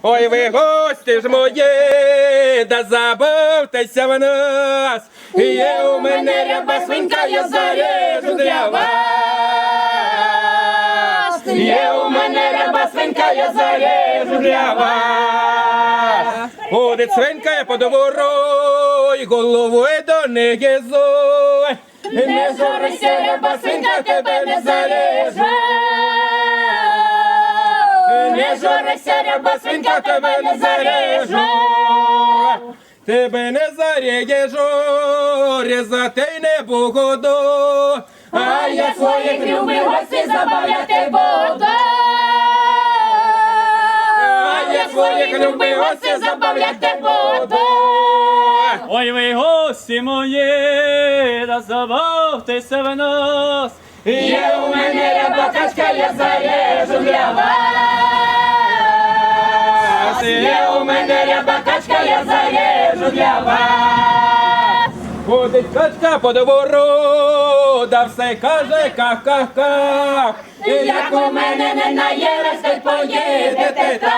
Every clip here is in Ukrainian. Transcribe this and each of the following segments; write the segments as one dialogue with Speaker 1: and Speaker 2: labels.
Speaker 1: Ой, ви гості ж мої, да забавтеся в нас. Є у мене ряба свинка, я зарежу для вас. Є у мене ряба свинка, я зарежу для вас. Ходить свинка по двору, й головою до неї зой. Не журися, ряба свинка, тебе не зарежу. Не журися, ряба свинка, тебе не зарежу. Тебе не зарежу, різати не буду. А я своїх любих гостей забавляти буду. А я своїх любих гостей забавляти буду.
Speaker 2: Ой, ви гості мої, да забавтеся в нас.
Speaker 1: Є у мене ряба качка, я зарежу для вас. Є у мене ряба качка, я зарежу для вас. Ходить качка по двору, да все каже ках-ках-ках. Як у мене не наїлась, то й поїдете так.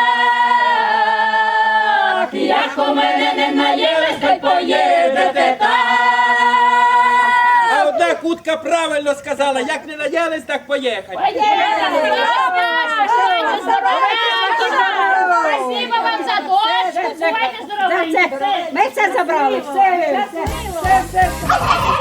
Speaker 1: Як у мене не наїлась, то й поїдете так. А одна кутка правильно сказала, як не наїлись, так поїхати.
Speaker 3: Спасибо вам за дочку, бувайте здорові.
Speaker 4: Ми це забрали. Все.